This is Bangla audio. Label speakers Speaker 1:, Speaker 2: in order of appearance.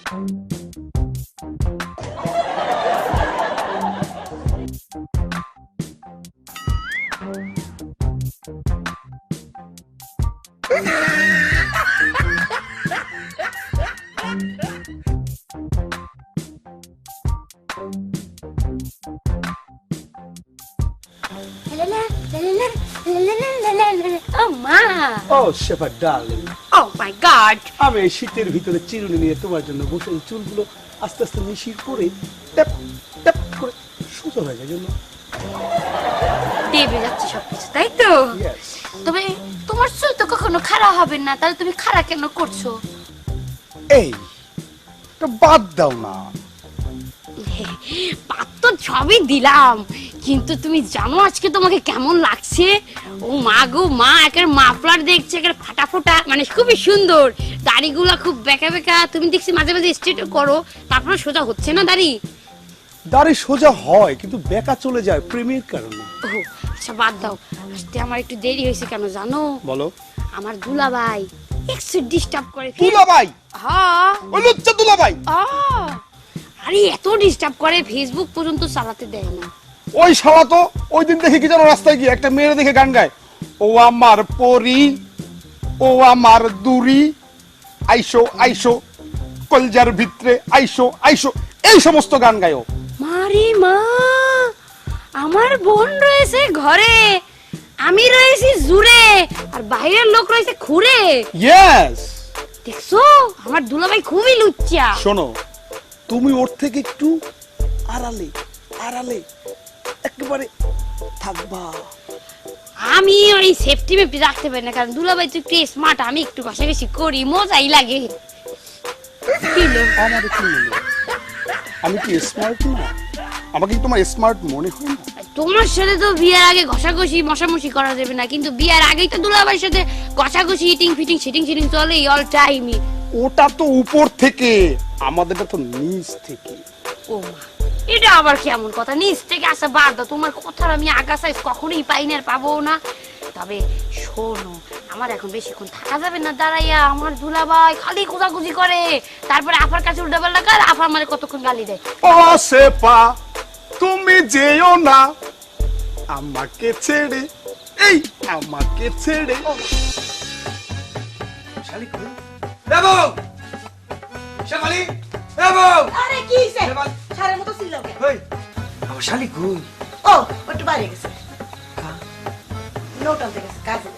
Speaker 1: Oh, Shepherd darling.
Speaker 2: Oh my God!
Speaker 1: আমি এই শীতের ভিতরে চিরুনি নিয়ে তোমার জন্য বসে চুলগুলো আস্তে আস্তে মিশিয়ে করে ট্যাপ ট্যাপ করে সুন্দর হয়ে যায় জন্য
Speaker 2: দেবে যাচ্ছে সবকিছু, তাই তো?
Speaker 1: Yes.
Speaker 2: তবে তোমার চুল তো কখনো খারাপ হবে না, তাহলে তুমি খারাপ কেন করছো?
Speaker 1: এই তো বাদ দাও না।
Speaker 2: পাত তো সবই দিলাম, কিন্তু তুমি জানো আজকে তোমাকে কেমন লাগছে? ও মা গো মা, একের মাফলার দেখছে, একের ফাটা ফোটা, মানে খুবই সুন্দর। দাড়িগুলা খুব বেঁকা বেঁকা, তুমি দেখছি মাঝে মাঝে স্ট্রেট করো, তারপরে সোজা হচ্ছে না দাড়ি।
Speaker 1: দাড়ি সোজা হয় কিন্তু বেঁকা চলে যায় প্রেমের কারণে।
Speaker 2: ও আচ্ছা বাদ দাও, আসতে আমার একটু দেরি হয়েছে কেন জানো?
Speaker 1: বলো।
Speaker 2: আমার দুলাভাই একটু ডিস্টার্ব করে।
Speaker 1: দুলাভাই?
Speaker 2: হ্যাঁ,
Speaker 1: ওই লুচ্চা দুলাভাই।
Speaker 2: আরে এত ডিস্টার্ব করে, ফেসবুক পর্যন্ত চালাতে দেয় না।
Speaker 1: ওই শালা তো ওই দিন দেখি কি যেন রাস্তায় গিয়ে একটা মেয়ে দেখে গান গায়, ও আমার পরি, ও আমার দুরি, আইসো আইসো কলজার ভিতরে, আইসো আইসো, এই সমস্ত গান গায় ও।
Speaker 2: মারি মা, আমার বোন রয়েছে ঘরে, আমি রয়েছি জুড়ে, আর বাইরের লোক রয়েছে খুঁড়ে।
Speaker 1: ইয়েস।
Speaker 2: দেখছো আমার দুলাভাই খুবই লুচ্চা।
Speaker 1: শোনো, তুমি ওর থেকে একটু আড়ালে আড়ালে একেবারে থাকবা।
Speaker 2: আমি ওই সেফটি মেপটি রাখতে পারি না, কারণ দুলাভাই তো একটু স্মার্ট, আমি একটু ঘষাঘষি করি, মজাই লাগে।
Speaker 1: আমার কি মনে, আমি কি স্মার্ট না? আমাকে কি তোমার স্মার্ট মনে হয় না?
Speaker 2: তোমার সাথে তো বিয়ার আগে ঘষাঘষি মশামশি করা যাবে না, কিন্তু বিয়ার আগেই তো দুলাভাইয়ের সাথে ঘষাঘষি ইটিং ফিটিং সিটিং সিটিং চলে অল টাইমই।
Speaker 1: ওটা তো উপর থেকে, আমাদেরটা তো নিচ থেকে।
Speaker 2: ও মা, এটা আবার কেমন কথা? নিচ থেকে আসা বাদ দাও, তোমার কথার আমি আগা সাইজ কখনোই পাই না আর পাবো না। তবে শোনো, আমার এখন বেশিক্ষণ থাকা যাবে না দাঁড়াইয়া, আমার দুলাভাই খালি খোঁজাখুঁজি করে, তারপরে আফার কাছে উল্টা পাল্টা করে, আফা আমার কতক্ষণ গালি দেয়।
Speaker 1: ও সেপা তুমি যেও না আমাকে ছেড়ে, এই আমাকে ছেড়ে। শালিক দেবো, শালি দেবো।
Speaker 3: আরে কি হইছে? সারের মতো চিল্লাও কেন?
Speaker 1: এই আমার শালিক কই?
Speaker 3: ও, একটু বাইরে গেছে। নোট আনতে গেছে কাজে।